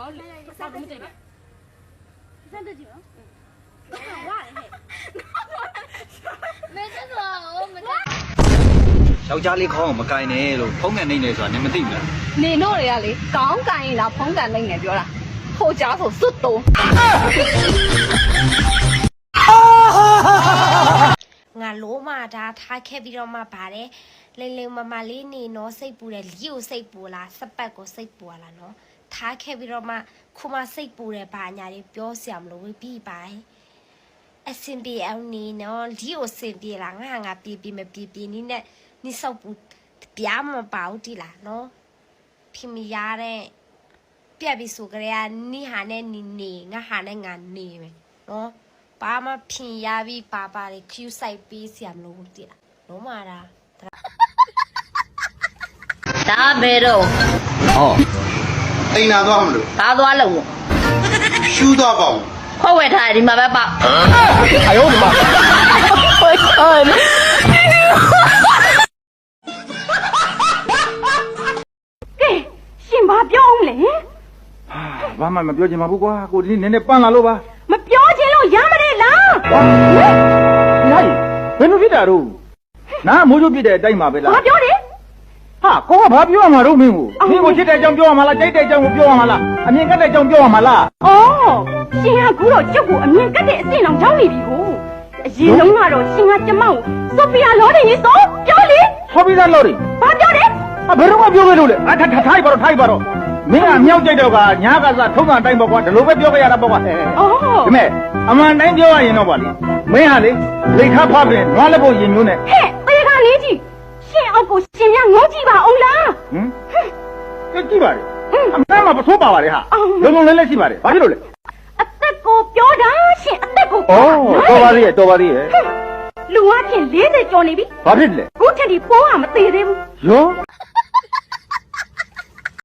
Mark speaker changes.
Speaker 1: 啥东西的？三十几吗？哇嘞！没这个，我们家。
Speaker 2: ယောက်ျားလေးခေါင်းအောင်မကင်နဲ့လို့ဖုံးကန်နေနေဆိုတာနင်မသိဘူးလား
Speaker 3: နေတို့တွေကလေကောင်းကန်ရင်လားဖုံးကန်နေငယ်ပြောတာဟိုကြားဆိုစွတ်တုံး
Speaker 4: ငါလိုမှဒါထားခဲ့ပြီးတော့မှပါတယ်လိမ့်လိမ့်မမလေးနေနော်စိတ်ပူတယ်လီကိုစိတ်ပူလားစပတ်ကိုစိတ်ပူလားနော်ထားခဲ့ပြီးတော့မှခုမှစိတ်ပူတယ်ဘာညာတွေပြောစရာမလိုဘူးပြီးပါအစင်ပြေအောင်နေနော်လီကိုစင်ပြေလားငါပြေမပြေနီးနဲ့နိစောက်ပူပြားမပါဘူးတိလားနော်ဖိမရတဲ့ပြက်ပြီးဆိုကြရနိဟာနဲ့နေငါဟာနဲ့ငါနေမယ်နော်ဘာမှဖြင်ရပြီးပါလေခ ्यू ဆိုင်ပေးစရာမလိုဘူးတိလားလုံးမာတာ
Speaker 3: ဒါပဲတော့
Speaker 2: ဟော
Speaker 5: အိမ်နာသွားမလို့
Speaker 3: ဘာသွားလို့
Speaker 5: ရှူးသွားပေါ့
Speaker 3: ခေါ်ဝဲထားဒီမှာပဲပေါ့
Speaker 2: အယောဒီမှာ
Speaker 1: ရှင်ဘာပြောအောင်လဲ
Speaker 2: ဘာမှမပြောချင်ပါဘူးကွာကိုဒီနေ့နည်းနည်းပန်းလာလို့ပါ
Speaker 1: မပြောချင်းလို့ရမတဲ့လား
Speaker 2: ညာကြီးဘယ်လိုဖြစ်တာတော့နားမိုးချိုးပြတဲ့အတိုင်းပါပဲလား
Speaker 1: ဘာပြောတယ်
Speaker 2: ဟာကိုကဘာပြောရမှာတော့မင်းကိုမင်းကိုချစ်တဲ့အကြောင်းပြောရမှာလားကြိုက်တဲ့အကြောင်းကိုပြောရမှာလားအမြင်ကတဲ့အကြောင်းပြောရမှာလား
Speaker 1: အော်ရှင်ကကူတော့ကျုပ်ကိုအမြင်ကတ်တဲ့အစ်စ်အောင်ကြောင်းနေပြီကိုအရင်လုံးကတော့ရှင်ကကျမကိုဆိုဖီယာလော်တယ်ရေဆိုပြောလေ
Speaker 2: ဆော်ပြီးသားလို့တွေ
Speaker 1: ဘာပြောတယ်
Speaker 2: ဟာဘယ်တော့မှပြောခဲ့လို့လေအထထိုက်ပါတော့မင်းကမြောက်ကြိုက်တော့ကညာကစားထုံးတာအတိုင်းပေါ့ကွာဒီလိုပဲပြောခဲ့ရတာပေါ့ကွာ
Speaker 1: အော်
Speaker 2: ဒီမဲ့အမှန်တိုင်းပြောရရင်တော့ပါလေမင်းဟာလေလိတ်ခါဖပြင်နွားလက်ဖို့ရင်မျိုးနဲ့
Speaker 1: ဟဲ့သေခါလေးကြီးရှင်အောက်ကိုရှင်များငေါကြည့်ပါအောင်လား
Speaker 2: ဟမ်ကြည့်ပါလေအမှန်မှပထိုးပါပါလေဟာလုံးလုံးလဲရှိပါတယ်ဘာဖြစ်လို့လဲ
Speaker 1: အသက်ကိုပြောတာရှင်အသက်ကို
Speaker 2: ဩတော်ပါသေးရဲ့
Speaker 1: လူအချင်း40ကျော်နေပြီ
Speaker 2: ဘာဖြစ်လဲ
Speaker 1: ခုထက်ဒီပိုးကမသေးသေးဘူး
Speaker 2: ရော